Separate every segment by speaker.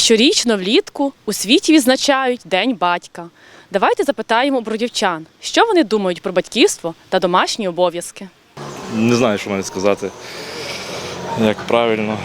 Speaker 1: Щорічно влітку у світі відзначають День батька. Давайте запитаємо у бродівчан, що вони думають про батьківство та домашні обов'язки.
Speaker 2: Не знаю, що мені сказати, як правильно.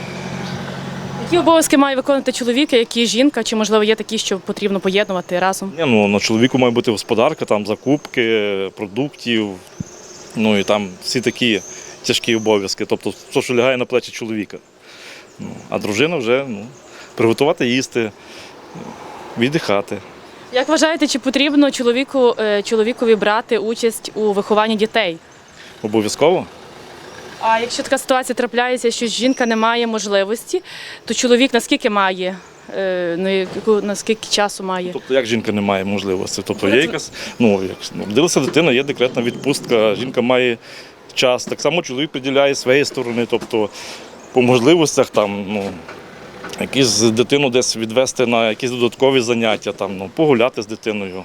Speaker 1: Які обов'язки має виконувати чоловік, які жінка, чи, можливо, є такі, що потрібно поєднувати разом?
Speaker 2: На чоловіку має бути господарка, там закупки, продуктів, і там всі такі тяжкі обов'язки, тобто все, що лягає на плечі чоловіка. А дружина вже приготувати їсти, віддихати.
Speaker 1: Як вважаєте, чи потрібно чоловікові брати участь у вихованні дітей?
Speaker 2: Обов'язково?
Speaker 1: А якщо така ситуація трапляється, що жінка не має можливості, то чоловік наскільки має, наскільки часу має?
Speaker 2: Тобто як жінка не має можливості? Тобто є якась, родилася дитина, є декретна відпустка, жінка має час. Так само чоловік приділяє своєї сторони, тобто по можливостях якусь дитину десь відвести на якісь додаткові заняття, погуляти з дитиною.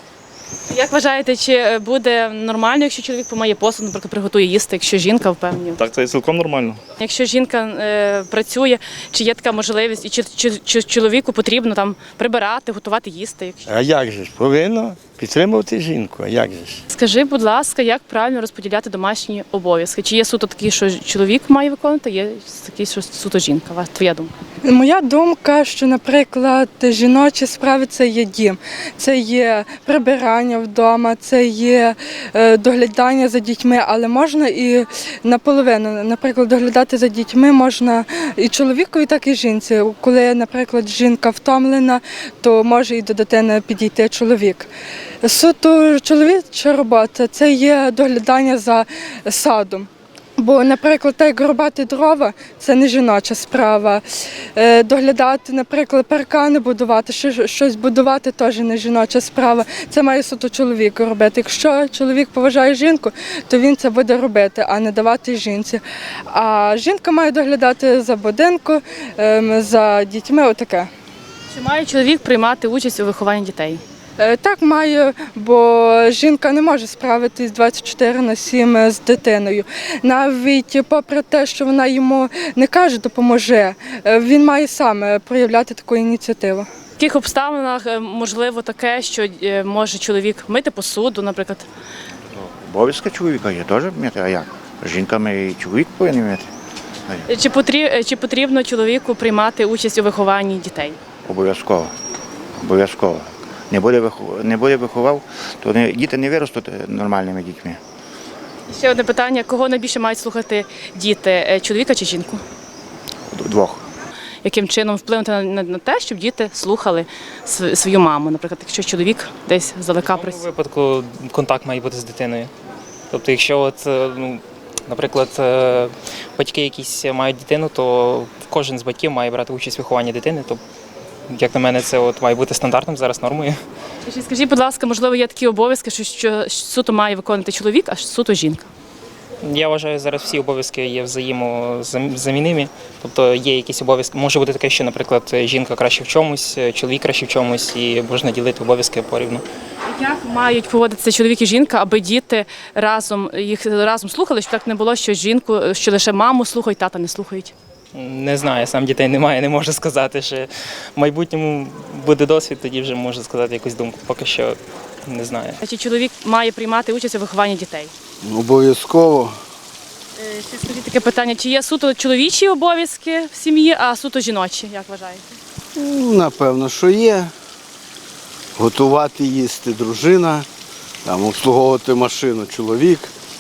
Speaker 1: Як вважаєте, чи буде нормально, якщо чоловік помиє посуд, наприклад, приготує їсти, якщо жінка впевнена?
Speaker 2: Так, це є цілком нормально.
Speaker 1: Якщо жінка працює, чи є така можливість, і чи чоловіку потрібно там прибирати, готувати їсти?
Speaker 3: А як же ж? Повинно підтримувати жінку, а як же ж?
Speaker 1: Скажи, будь ласка, як правильно розподіляти домашні обов'язки? Чи є суто такі, що чоловік має виконувати, є такі, що суто жінка? Твоя думка?
Speaker 4: Моя думка, що, наприклад, жіночі справи – це є дім, це є прибирання вдома, це є доглядання за дітьми, але можна і наполовину. Наприклад, доглядати за дітьми можна і чоловікові, так і жінці. Коли, наприклад, жінка втомлена, то може і до дитини підійти чоловік. Суто чоловіча робота – це є доглядання за садом. Бо, наприклад, так як рубати дрова – це не жіноча справа. Доглядати, наприклад, паркани будувати, щось будувати – теж не жіноча справа. Це має суто чоловік робити. Якщо чоловік поважає жінку, то він це буде робити, а не давати жінці. А жінка має доглядати за будинком, за дітьми, отаке.
Speaker 1: Чи має чоловік приймати участь у вихованні дітей?
Speaker 4: Так, маю, бо жінка не може справитись 24/7 з дитиною. Навіть попри те, що вона йому не каже «допоможи», він має сам проявляти таку ініціативу.
Speaker 1: В яких обставинах можливо таке, що може чоловік мити посуду, наприклад?
Speaker 5: Обов'язки чоловіка є теж вміти, а як? Жінками і чоловік повинен вміти.
Speaker 1: Чи потрібно чоловіку приймати участь у вихованні дітей?
Speaker 5: Обов'язково. Обов'язково. Не буде виховав, то діти не виростуть нормальними дітьми.
Speaker 1: Ще одне питання. Кого найбільше мають слухати діти, чоловіка чи жінку?
Speaker 5: Двох.
Speaker 1: Яким чином вплинути на те, щоб діти слухали свою маму? Наприклад, якщо чоловік десь здалека працює?
Speaker 6: В цьому випадку контакт має бути з дитиною. Тобто, якщо, наприклад, батьки якісь мають дитину, то кожен з батьків має брати участь у вихованні дитини. Тобто, як на мене, це має бути стандартом, зараз нормою.
Speaker 1: Скажіть, будь ласка, можливо, є такі обов'язки, що суто має виконувати чоловік, а суто жінка?
Speaker 6: Я вважаю, зараз всі обов'язки є взаємозамінними. Тобто є якісь обов'язки. Може бути таке, що, наприклад, жінка краще в чомусь, чоловік краще в чомусь, і можна ділити обов'язки порівну.
Speaker 1: Як мають поводитися чоловік і жінка, аби діти їх разом слухали, щоб так не було, що лише маму слухають, тата не слухають?
Speaker 6: Не знаю, сам дітей немає, не можу сказати, що в майбутньому буде досвід, тоді вже можу сказати якусь думку, поки що не знаю.
Speaker 1: Чи чоловік має приймати участь у вихованні дітей?
Speaker 3: Обов'язково.
Speaker 1: Ще скажіть таке питання, чи є суто чоловічі обов'язки в сім'ї, а суто жіночі, як вважаєте?
Speaker 3: Напевно, що є. Готувати, їсти дружина, обслуговувати машину чоловік.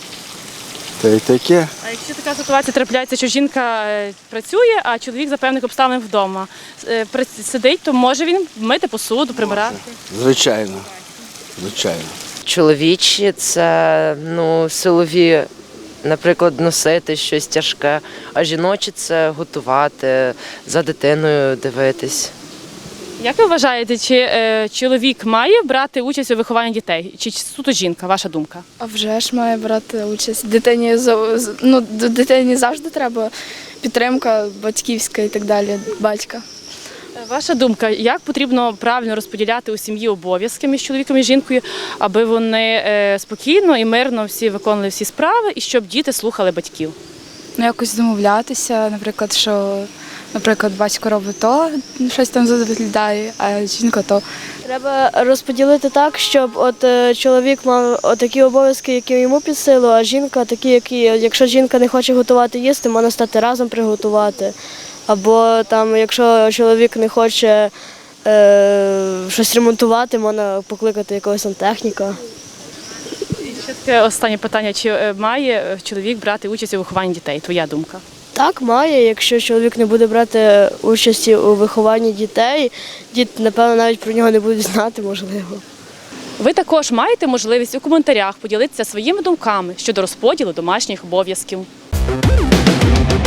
Speaker 3: Та й таке.
Speaker 1: А якщо така ситуація трапляється, що жінка працює, а чоловік за певних обставин вдома сидить, то може він мити посуду, прибирати?
Speaker 3: Звичайно. Звичайно.
Speaker 7: Чоловічі – це силові, наприклад, носити щось тяжке, а жіночі – це готувати, за дитиною дивитись.
Speaker 1: Як ви вважаєте, чи чоловік має брати участь у вихованні дітей, чи суто жінка, ваша думка?
Speaker 8: А вже ж має брати участь. До дитині завжди треба підтримка батьківська і так далі, батька.
Speaker 1: Ваша думка, як потрібно правильно розподіляти у сім'ї обов'язки між чоловіком і жінкою, аби вони спокійно і мирно всі виконували всі справи і щоб діти слухали батьків?
Speaker 8: Якось домовлятися, наприклад, що Наприклад, батько робить то, щось там доглядає, а жінка то.
Speaker 9: Треба розподілити так, щоб чоловік мав такі обов'язки, які йому під силу, а жінка такі, які, якщо жінка не хоче готувати їсти, можна стати разом приготувати. Або там, якщо чоловік не хоче щось ремонтувати, можна покликати якогось сантехніка.
Speaker 1: І ще таке останнє питання: чи має чоловік брати участь у вихованні дітей? Твоя думка?
Speaker 9: Так, має. Якщо чоловік не буде брати участі у вихованні дітей, діти, напевно, навіть про нього не будуть знати, можливо.
Speaker 1: Ви також маєте можливість у коментарях поділитися своїми думками щодо розподілу домашніх обов'язків.